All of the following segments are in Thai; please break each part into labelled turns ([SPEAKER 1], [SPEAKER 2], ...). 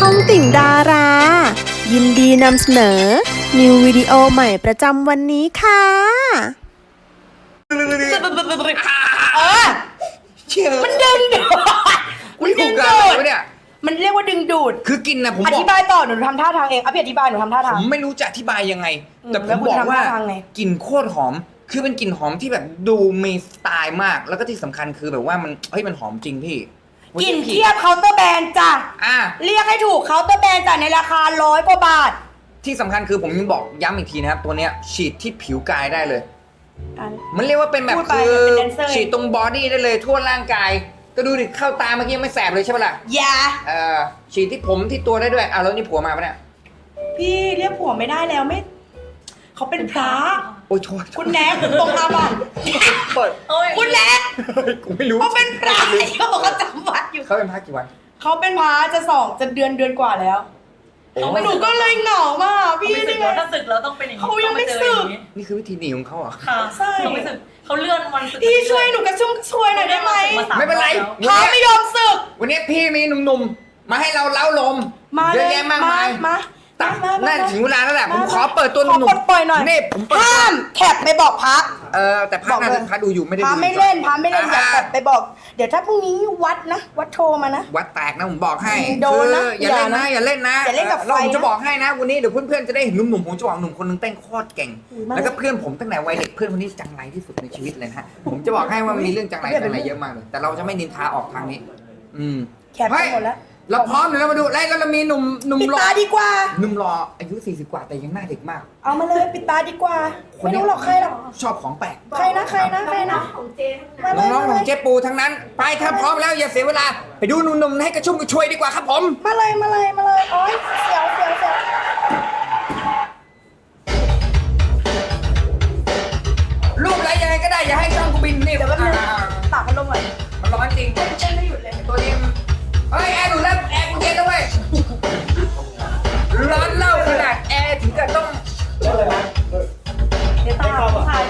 [SPEAKER 1] องติ่งดารา ยินดีนำเสนอ นิววิดีโอใหม่ประจำวันนี้ค่ะ
[SPEAKER 2] มันดึงดูดมันดึงดูด
[SPEAKER 3] เนี่ย
[SPEAKER 2] มันเรียกว่าดึงดูด
[SPEAKER 3] คือกินนะผม
[SPEAKER 2] อบ
[SPEAKER 3] อ
[SPEAKER 2] ธิ
[SPEAKER 3] ก
[SPEAKER 2] บายต่อหนูทำท่าทางเองพี่อธิบายหนูทำท่าทาง
[SPEAKER 3] ผมไม่รู้จะอธิบายยังไง แต่ผ
[SPEAKER 2] แล้
[SPEAKER 3] ม
[SPEAKER 2] วคุณ
[SPEAKER 3] บอก
[SPEAKER 2] ทำ
[SPEAKER 3] ว่า
[SPEAKER 2] ท่าทางไง
[SPEAKER 3] กลิ่นโคตรหอม คือเป็นกลิ่นหอมที่แบบดูมีสไตล์มาก แล้วก็ที่สำคัญคือแบบว่ามันมันหอมจริงพี่
[SPEAKER 2] กลิ่นเทียบเคาน์เตอร์แบรนด์จ้ะ
[SPEAKER 3] อ่ะ
[SPEAKER 2] เรียกให้ถูกเคาน์เตอร์แบรนด์จ้ะในราคา100 กว่าบาท
[SPEAKER 3] ที่สำคัญคือผมยังบอกย้ำอีกทีนะครับตัวเนี้ยฉีดที่ผิวกายได้เลย มันเรียกว่าเป็นแบบ
[SPEAKER 2] พูดไป
[SPEAKER 3] คือ
[SPEAKER 2] เป็นแดนเซอร์
[SPEAKER 3] ฉีดตรงบอดี้ได้เลยทั่วร่างกาย ก็ดูดิเข้าตาเมื่อกี้ไม่แสบเลยใช่ปะล่ะ
[SPEAKER 2] อย่า
[SPEAKER 3] ฉีดที่ผมที่ตัวได้ด้วยแล้วนี่ผัวมาปะเนี่ย
[SPEAKER 2] พี่เรียกผัวไม่ได้แล้วไม่เขาเป็นพระ
[SPEAKER 3] โอ้ยโทษ
[SPEAKER 2] คุณแน็กตรงอาบัติ
[SPEAKER 3] เปิด
[SPEAKER 2] คุณแน็ก
[SPEAKER 3] กูไม่รู้
[SPEAKER 2] เขาเป็นพระเขาจำวัดอยู่
[SPEAKER 3] เขาเป็นพักกี่วัน
[SPEAKER 2] เขาเป็นพระจะเดือนกว่าแล้ว หนูก็เลยเหงามากพี่
[SPEAKER 4] ไม่สึกแล้วถ้าสึกแล้วต้องเป็นอย่างนี้
[SPEAKER 2] เขายังไม่สึก
[SPEAKER 3] นี่คือวิธีหนีของเขาเหรอ
[SPEAKER 4] ค่ะ
[SPEAKER 2] ใช่
[SPEAKER 4] เขาไม่สึกเขาเลื่อนวันสึก
[SPEAKER 2] พี่ช่วยหนูกระชุ่มช่วยหน่อยได้ไหม
[SPEAKER 3] ไม่เป็นไร
[SPEAKER 2] พระไม่ยอมสึก
[SPEAKER 3] วันนี้พี่มีหนุ่มๆ มาให้เราเล้าลม
[SPEAKER 2] มา
[SPEAKER 3] เย
[SPEAKER 2] เล
[SPEAKER 3] อะ
[SPEAKER 2] ย
[SPEAKER 3] แยะมากมาย
[SPEAKER 2] มา
[SPEAKER 3] ตัดน่าถึงเวลาแล้วแหละ ผมขอเปิดตัวห
[SPEAKER 2] ขอ
[SPEAKER 3] นุ่ม
[SPEAKER 2] ปล่อยหน่อย
[SPEAKER 3] นี่ผมเปิด
[SPEAKER 2] ห้ามแท็บไปบอกพระ
[SPEAKER 3] แต่พระน่าจะพระดูอยู่ไม่ได้
[SPEAKER 2] พ
[SPEAKER 3] ดู
[SPEAKER 2] ระไม่เล่นอย่าแท็บไปบอก เดี๋ยวถ้าพรุ่งนี้วัดนะวัดโทรมานะ
[SPEAKER 3] วัดแตกนะผมบอกให้
[SPEAKER 2] โดนนะ
[SPEAKER 3] คืออย่าเล่นนะอย่าเล่นนะ
[SPEAKER 2] อย่าเล่นกับไฟ
[SPEAKER 3] แล้วผมจะ
[SPEAKER 2] นะ
[SPEAKER 3] บอกให้นะวันนี้เดี๋ยวเพื่อนๆจะได้เห็นหนุ่มๆผมจะบอกหนุ่มคนนึงเต้นโคตรเก่ง
[SPEAKER 2] มา
[SPEAKER 3] แล้วก็เพื่อนผมตั้งแต่วัยเด็กเพื่อนคนนี้จังไรที่สุดในชีวิตเลยนะฮะผมจะบอกให้ว่ามันมีเรื่องจังไรเยอะมากเลยแต่เราจะไม่นินทาออกทางนี้
[SPEAKER 2] แคปไปหมดแล้ว
[SPEAKER 3] เราพร้อมเดี๋ยวเรามาดูแล้วเรามีหนุ่ม
[SPEAKER 2] ปิด
[SPEAKER 3] รอ
[SPEAKER 2] ตาดีกว่า
[SPEAKER 3] หนุ่มรออายุ40 กว่าแต่ยังหน้าเด็กมาก
[SPEAKER 2] เอามาเลยปิดตาดีกว่า ไม่รู้หรอกใครหรอก
[SPEAKER 3] ชอบของแปลก
[SPEAKER 2] ใครนะมาเลย
[SPEAKER 3] น้องๆข
[SPEAKER 2] มา
[SPEAKER 3] อง
[SPEAKER 2] เลย
[SPEAKER 3] เจ๊ปูทั้งนั้น ไปถ้าพร้อมแล้วอย่าเสียเวลา ไปดูหนุ่มๆให้กระชุ่มกระชวยดีกว่าครับผม
[SPEAKER 2] มาเลยโอ๊ยเสียว
[SPEAKER 3] รูปอะไรยังไงก็ได้อย่าให้ช่องกูบินนี่
[SPEAKER 2] เดี๋ยวแป๊บนึงตากพัดลมหน่อย
[SPEAKER 3] มันร้อนจริง
[SPEAKER 2] เต้นไม่หยุดเลย
[SPEAKER 3] ตัวนี้เฮ้ยแอร์หนูเริ่มแอร์กูเย็นแล้วเว้ยร้อนเล่าขนาดแอร์ถึงกับต้อง
[SPEAKER 4] เดี๋ยวตามผู้ชายมา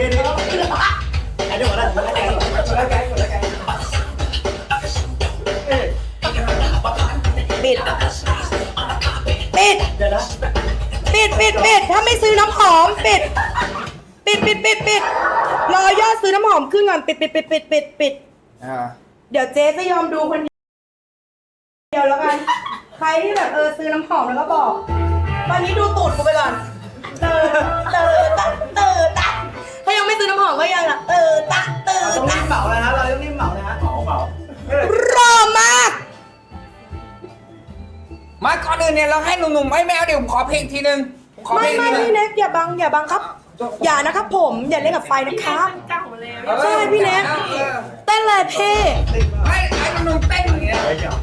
[SPEAKER 2] ปิดถ้าไม่ซื้อน้ำหอมปิดรอยอดซื้อน้ำหอมขึ้นก่อนปิดเดี๋ยวเจ๊จะยอมดูคนเดียวแล้วกันใครที่แบบซื้อน้ำหอมแล้วก็บอกตอนนี้ดูตูดกูไปก่อนเตอถ้ายังไม่ซื้อน้ำหอมก็ยังเตอ
[SPEAKER 5] ต้องรีบเหมาเลยนะเราต้องรีบเหมาเลยนะเหมาร
[SPEAKER 2] อมาก
[SPEAKER 3] มาก่อนอื่นเนี่ยเราให้หนุ่มๆไม่เอาเดี๋ยวผมขอเพลงทีนึงผมขอเพ
[SPEAKER 2] ไม่
[SPEAKER 3] ลงทีนึง
[SPEAKER 2] พี่แน็กอย่าบังครับ อย่านะครับผมอย่าเล่นกับไฟนะครับ
[SPEAKER 4] เก่าเลย
[SPEAKER 2] ใช่พี่แน็กเต้นเลยเพ่
[SPEAKER 3] ให้หนุ่มๆเต้นอย่างเงี้ย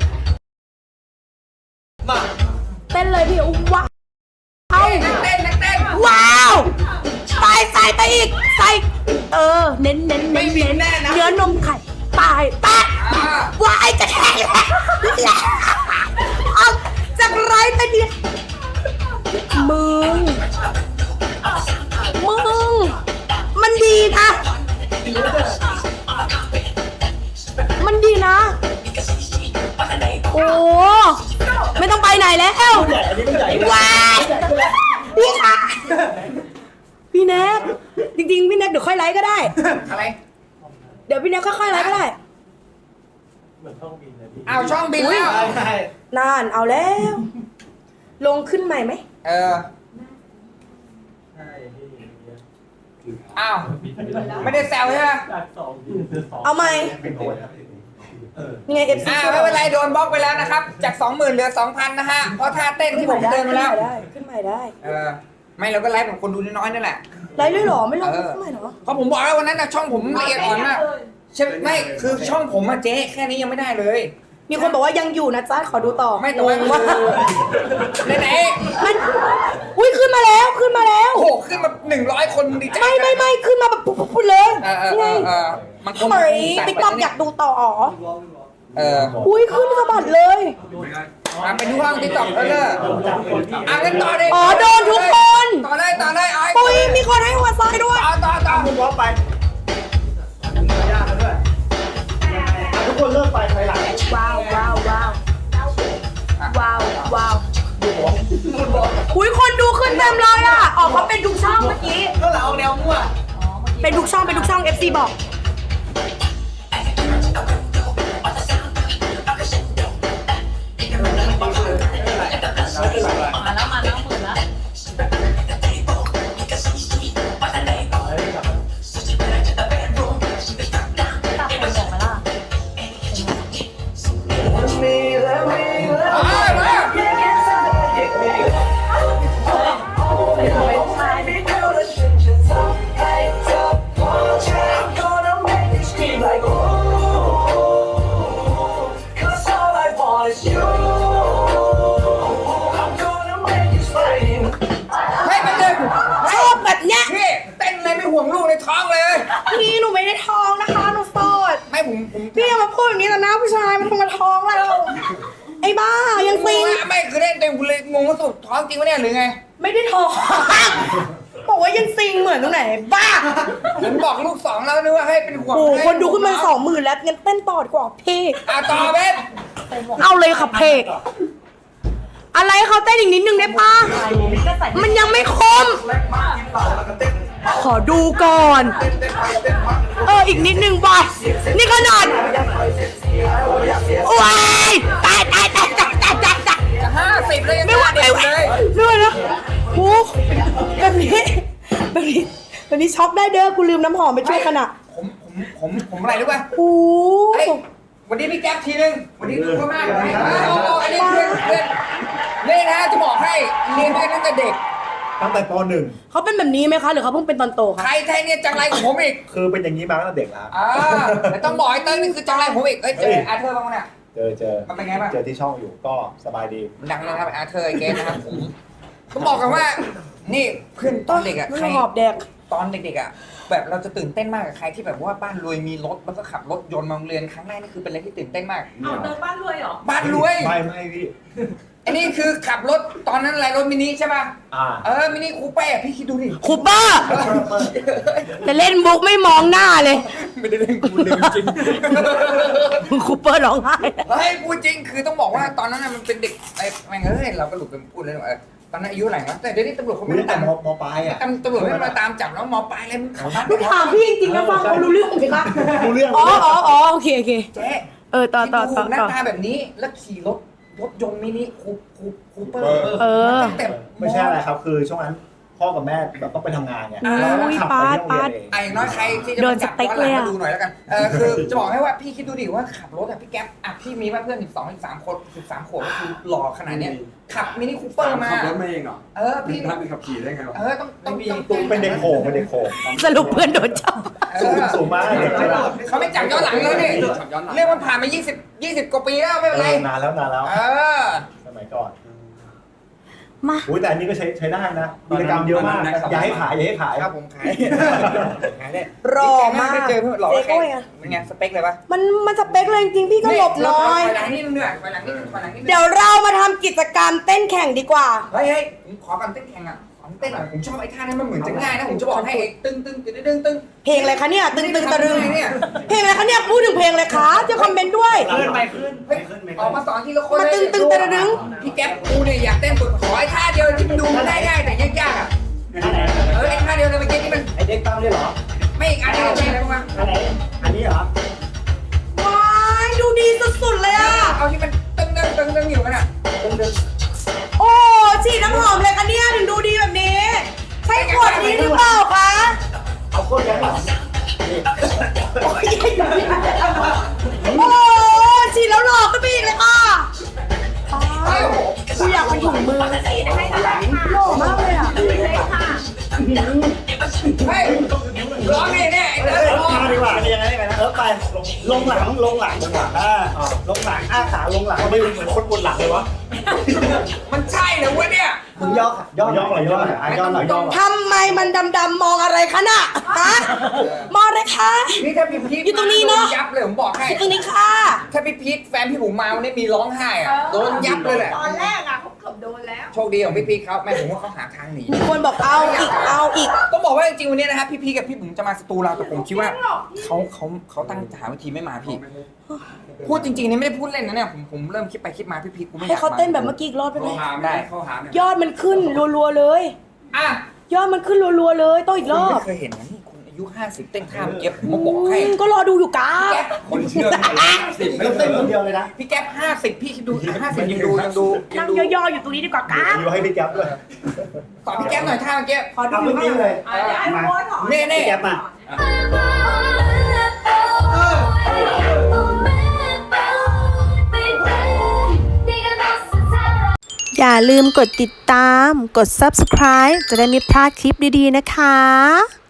[SPEAKER 5] มา
[SPEAKER 2] เต้นเลยพี่ว้าว
[SPEAKER 3] นักเต้น
[SPEAKER 2] ว้าวใส่ไปอีกใส่เน้นเนื้อนมไข่ปลายแปะว้ายจะแทงแล้วเอาจากไรไปดิมึงมันดีนะโอ้ไม่ต้องไปไหนแล้ว
[SPEAKER 5] อันนี้มันใหญ่
[SPEAKER 2] ว้ายพี่ค่ะพี่แน็กจริงๆพี่แน็กเดี๋ยวค่อยไลฟ์ก็ได้
[SPEAKER 3] อะไร
[SPEAKER 2] เดี๋ยวพี่แน็กค่อยๆไลฟ์ก็ได้
[SPEAKER 3] อ้าวช่องบินแล้ว
[SPEAKER 5] ใช่
[SPEAKER 2] นานเอาแล้ว ลงขึ้นใหม่ไหม
[SPEAKER 3] อ้าวไม่ได้แซวใช่ไหม
[SPEAKER 2] เอาใหม่ยังไงเอฟซี
[SPEAKER 3] ไม่เป็นไรโดนบล็อกไปแล้วนะครับจาก 20,000เหลือ 2,000นะฮะเพราะท่าเต้นที่ผมเดินมาแล้ว
[SPEAKER 2] ขึ้นใหม่ได้
[SPEAKER 3] ไม่เราก็ไลฟ์กับคนดูน้อยๆนั่นแหละ
[SPEAKER 2] ไลฟ์เลยเหรอไม่ลงขึ้นใหม่เหรอ
[SPEAKER 3] เพราะผมบอกแล้ววันนั้นนะช่องผมละเอียดอ่อนมากใช่ไม่คือช่องผมอะเจ๊แค่นี้ยังไม่ได้เลย
[SPEAKER 2] มีคนบอกว่ายังอยู่นะจ๊ะขอดูต่อ
[SPEAKER 3] ไม่ต่อ
[SPEAKER 2] งงว่า
[SPEAKER 3] ไหน
[SPEAKER 2] มันอุ้ยขึ้นมาแล้ว
[SPEAKER 3] โอ้โหขึ้นมา100 คนดีใจ
[SPEAKER 2] ไม่ขึ้นมาแบบปุ๊บเลยนี่ไง
[SPEAKER 3] มันคง
[SPEAKER 2] เฮ้ยติ๊กต็อกอยากดูต่อ
[SPEAKER 3] อุ้
[SPEAKER 2] อุ้ยขึ้นสะบัดเลย
[SPEAKER 3] ไปดูห้องติ๊กต็อกเลยงั้นต่อเลย
[SPEAKER 2] อ๋อโดนทุกคน
[SPEAKER 3] ต่อเลยเอาให้
[SPEAKER 2] ปุ้ยมีคนให้หัวซ้ายด้วย
[SPEAKER 3] ต่อ
[SPEAKER 5] คุณวอล์กไปยากด้วยทุกคนเริ่มไปหลัง
[SPEAKER 2] ว้าวว้าวอุ้ยคนดูขึ้นเต็มเลยอ่ะออกมาเป็นทุกช่องเมื่อกี้
[SPEAKER 5] ก็เราแนวมั่ว
[SPEAKER 2] เป็นทุกช่อง FC บอก
[SPEAKER 4] มาแล้วหมื่นแล้วตับคนบอกไหมล่ะ
[SPEAKER 3] ให้มันเดิน
[SPEAKER 2] ชอบแบบเนี้ย
[SPEAKER 3] พี่เต้นเลยไม่ห่วงลูกในท้องเลย
[SPEAKER 2] พี่หนูไม่ได้ท้องนะคะหนูโสด
[SPEAKER 3] ไม่ผม
[SPEAKER 2] พี่อย่ามาพูดแบบนี้ต่อหน้าผู้ชายมันทำมาท้องเราไอ้บ้ายังซิง
[SPEAKER 3] ไม่คือเล่นเต็มคุณเลยงงว่าสุดท้องจริงวะเนี่ยหรือไง
[SPEAKER 2] ไม่ได้ท้องบอกว่ายังซิงเหมือนตรงไหนบ้า
[SPEAKER 3] ผมบอกลูกสองแล้วนึกว่าให้เป็นห่วง
[SPEAKER 2] โอ้โหคนดูขึ้นมา20,000แล้วงั้นเต้นต่อดีกว่าพี่
[SPEAKER 3] ต่อเว็บ
[SPEAKER 2] เอาเลยค่ะเพกอะไรเขาเต้นอีกนิดนึงได้ปะมันยังไม่คม ขอดูก่อน อีกนิดนึงไปนี่ขนาดว้ายตาย
[SPEAKER 3] 50เลยยัง
[SPEAKER 2] ไม่ไหว
[SPEAKER 3] เด็กเลย
[SPEAKER 2] ไม่ไหวนะโอ้แบบนี้ช็อกได้เด้อกูลืมน้ำหอมไปช่วยขนาด
[SPEAKER 3] ผมอะไรรู้ป่ะ
[SPEAKER 2] โอ้
[SPEAKER 3] เฮ้ยวันนี้พี่แก๊ปทีนึงวันนี้ทุกคนมากเลยอันนี้เพื่อนนี่นะจะบอกให้เรียนด้วยกันตั้งแต่เด็ก
[SPEAKER 5] ตั้งแต่ป
[SPEAKER 2] เขาเป็นแบบนี้ไหมคะหรือเขาเพิ่งเป็นตอนโต
[SPEAKER 3] ใคร
[SPEAKER 2] คะ
[SPEAKER 3] แท้เนี่ยจังไรของผมอีก
[SPEAKER 5] .1 คือเป็นอย่างนี้มาตั้งแต่เด็กแล้ว
[SPEAKER 3] แต่ต้องบอกให้เต้ยนี่คือจังไรของผมอีกเจออาเธอร์บ้างไหมเนี่ย
[SPEAKER 5] เจอ
[SPEAKER 3] มันเป็นไงบ้าง
[SPEAKER 5] เจอที่ช่องอยู่ก็สบายดี
[SPEAKER 3] มันดังเลยครับอาเธอร์ไอเกสนะครับผมต้องบอกกันว่า นี่เพื่อนตอนเด็กอะใคร
[SPEAKER 2] หอบแดก
[SPEAKER 3] ตอนเด็กๆอ่ะแบบเราจะตื่นเต้นมากกับใครที่แบบว่าบ้านรวยมีรถแล้วก็ขับรถยนต์มาโรงเรียนครั้งแรกนี่คือเป็นอะไรที่ตื่นเต้นมาก
[SPEAKER 4] เอาเดินบ้านรวยเหรอ
[SPEAKER 3] บ้านรวย
[SPEAKER 5] ไม่พี่
[SPEAKER 3] อันนี้คือขับรถตอนนั้นอะไรรถมินิใช่ป่ะมินิคูเป้พี่คิดดูดิ
[SPEAKER 2] คูเปอร์แต่เล่นมุกไม่มองหน้าเลย
[SPEAKER 3] ไม่ได้เล่นกูเล่นจริง
[SPEAKER 2] คูเปอร์ร้องไห้
[SPEAKER 3] เฮ้ยพูดจริงคือต้องบอกว่าตอนนั้นมันเป็นเด็กไอ้แม่งเฮ้ยเราก็หลุดไปพูดเลยว่าตอนนั้นอายุอะไรนะแต่เดี๋ยวนี้ตำรวจเขาไม่
[SPEAKER 5] ตั้งแต่
[SPEAKER 3] ตาม
[SPEAKER 5] มปลายอ่ะ
[SPEAKER 3] ตำรวจไม่มาตามจับแล้วมอปลายอะไรมึงขับบ้าน
[SPEAKER 2] หนูถามพี่จริงๆนะฟังเขารู้เรื่องไหมคะ
[SPEAKER 5] รู้เรื่อง
[SPEAKER 2] อ๋อโอเค
[SPEAKER 3] เจ๊
[SPEAKER 2] ต่อ
[SPEAKER 3] คิดดูหน้าตาแบบนี้แล้วขี่รถยนต์มินิคูเปอร์ตั้งแต่
[SPEAKER 5] ไม่ใช่อะไรครับคือช่วงนั้นพ่อกับแม่แบบต้องไปทำงานไง
[SPEAKER 2] อุ้ย
[SPEAKER 5] ขับ
[SPEAKER 2] ปา
[SPEAKER 5] ไป
[SPEAKER 2] ด
[SPEAKER 5] ที่โรง
[SPEAKER 2] ปา
[SPEAKER 5] เรีย
[SPEAKER 2] ด
[SPEAKER 5] นเอง
[SPEAKER 3] อย่างน้อยใครที่จะ
[SPEAKER 2] โด
[SPEAKER 3] มาน จับ
[SPEAKER 2] สเต็ก
[SPEAKER 3] ย้อนหลัง
[SPEAKER 2] เลยอะ
[SPEAKER 3] มาดูหน่อยแล้วกันคือจะบอกให้ว่าพี่คิดดูดิว่าขับรถอะพี่แก๊ปอะพี่มีเพื่อน13 คน13 ขวบก็คือหล่อขนาดเนี้ยขับมินิคูเปอร์มา
[SPEAKER 6] ขับรถมาเองเหรอ
[SPEAKER 3] พี่
[SPEAKER 6] ถ้าเป็นขับขี่ได้ไงวะ
[SPEAKER 3] ต้อง
[SPEAKER 5] เป็นเด็กโขงเป็นเด็กโขง
[SPEAKER 2] สรุปเพื่อนโดนจับ
[SPEAKER 5] สูงมากเด็กใช่ไหม
[SPEAKER 3] เขาไม่จับย้อนหลังเลยนี่เรื่องมันผ่านมา20กว่าปีแล้วไม่เป็นไร
[SPEAKER 5] นานแล้วสมัยก่อน
[SPEAKER 2] มา
[SPEAKER 5] อุ้ยแต่อันนี้ก็ใช้ได้นะกิจกรรมเยอะมากอย่าให้ขาย
[SPEAKER 3] ครับผมขายได้
[SPEAKER 2] รอมาก
[SPEAKER 3] เจอเพื่อนหล่อ
[SPEAKER 2] เจ๊ก้อยอะ
[SPEAKER 3] เป็นไงสเปคเลยปะ
[SPEAKER 2] มันสเปคเลยจริงๆพี่ก็หลบหน้อย
[SPEAKER 3] ไปหลังนิดนึงด้วยไปหลังนิดนึงไปหลังนิดนึง
[SPEAKER 2] เดี๋ยวเรามาทำกิจกรรมเต้นแข่งดีกว่า
[SPEAKER 3] เฮ้ยผมขอกันเต้นแข่งอ่ะขอเต้นหน่อยผมชอบไอ้ท่านั้นมันเหมือนจะง่ายนะผมจะบอกให้ตึ้ง
[SPEAKER 2] เพลงอะไรคะเนี่ยตึงตะรึง
[SPEAKER 3] เนี่ย
[SPEAKER 2] เพลงอะไรคะเนี่ยพูดถึงเพลงอะไรคะจะคอมเมนต์ด้วย
[SPEAKER 3] ออกมาสอนทีละคน
[SPEAKER 2] มาตึงตะรึง
[SPEAKER 3] พี่แก๊ปกูเนี่ยอยากเต้นสุดขอไอ้ท่าเดียวที่มันดูได้ง่ายแต่ยากๆอ่ะไอ้ท่าเดียวเลยเมื่อกี้ที่มัน
[SPEAKER 5] ไอเด็กตั้งได้เหรอ
[SPEAKER 3] ไม่อีกอันนึงเป็นอะไรบ้าง
[SPEAKER 5] อันนี้เหรอ
[SPEAKER 2] ว้ายดูดีสุดๆเลยอ่ะ
[SPEAKER 3] เอาที่มันตึงอยู่กันอ่ะ
[SPEAKER 2] โอ้ฉีดน้ำหอมเลยคะเนี่ยถึงดูดีแบบนี้ ใช่ขวดนี้หรือเปล่าคะ
[SPEAKER 5] เอาก้นยันหลัง
[SPEAKER 2] โอ้ฉีดแล้วหลอกก็ไปอีกเลยค่ะกูอยากเป็นถุงมือหล่อมากเลยอ่ะ
[SPEAKER 3] เฮ้ยร้องเนี่ยไอ้เต้ร้อง
[SPEAKER 5] มาดีกว่าเป็นยังไงนะไปลงหลังลงหลังอ้าขาลงหลังไม่เหมือนคนบนหลังเลยวะ
[SPEAKER 3] มันใช่เหรอวะเนี่ย
[SPEAKER 5] มึงย่อหน่อยย่อหน่อย
[SPEAKER 2] ทำไมมันดำๆมองอะไรคะน่ะฮะมองอะไรคะ
[SPEAKER 3] นี่ถ้าพี่พีท
[SPEAKER 2] อยู่ตรงนี้เนอะ
[SPEAKER 3] ยับเลยผมบอกให้
[SPEAKER 2] อยู่ตรงนี้ค่ะ
[SPEAKER 3] ถ้าพี่พีทแฟนพี่บุ๋มมาวันนี้มีร้องไห้อ่ะโดนยับเลยแหละ
[SPEAKER 4] ตอนแรกอะเขาเกือบโดนแล้ว
[SPEAKER 3] โชคดีของพี่พีทเขาแม่ผมว่าเขาหาทางหนี
[SPEAKER 2] มีคนบอกเอาอีก
[SPEAKER 3] ต้องบอกว่าจริงๆวันนี้นะครับพี่พีทกับพี่บุ๋มจะมาสตูเราแต่ผมคิดว่าเขาตั้งหาวิธีไม่มาพี่พูดจริงๆนี่ไม่ได้พูดเล่นนะเนี่ยผมเริ่มคิดไปคิดมาพี่พีกูไม่อยาก
[SPEAKER 2] ให้เขาเต้นแบบเมื่อกี้อีกรอบได้ไหม
[SPEAKER 3] ได้เข้าหาเนี่ย
[SPEAKER 2] ยอดมันขึ้นรัวๆเลย
[SPEAKER 3] อ่ะ
[SPEAKER 2] ยอดมันขึ้นรัวๆเลยต้องอีกรอบ
[SPEAKER 3] ไม่เคยเห็นนะนี่คุณอายุ50เต้นท่าเมื่อกี้ผมมาบอกให้
[SPEAKER 2] ก็รอดูอยู่กา
[SPEAKER 3] แก๊ปคนเชื่อ50
[SPEAKER 5] ก็เต้นคนเดียวเลยนะ
[SPEAKER 3] พี่แก๊ป50พี่คิดดู50ยังดู
[SPEAKER 2] นั่งย่อๆอยู่ตรงนี้ดีกว่ากา
[SPEAKER 5] อยู่ให้พี่แก๊ปด้วย
[SPEAKER 3] สอนพี่แก๊ปหน่อยท่าเมื่อกี้
[SPEAKER 2] ขอดู
[SPEAKER 5] เอาเมื่อกี้เลย
[SPEAKER 4] ให้
[SPEAKER 5] มา
[SPEAKER 4] โพสถอน
[SPEAKER 3] เน่
[SPEAKER 5] พี่แก๊ปมา
[SPEAKER 1] อย่าลืมกดติดตาม กด subscribe จะได้ไม่พลาดคลิปดีๆนะคะ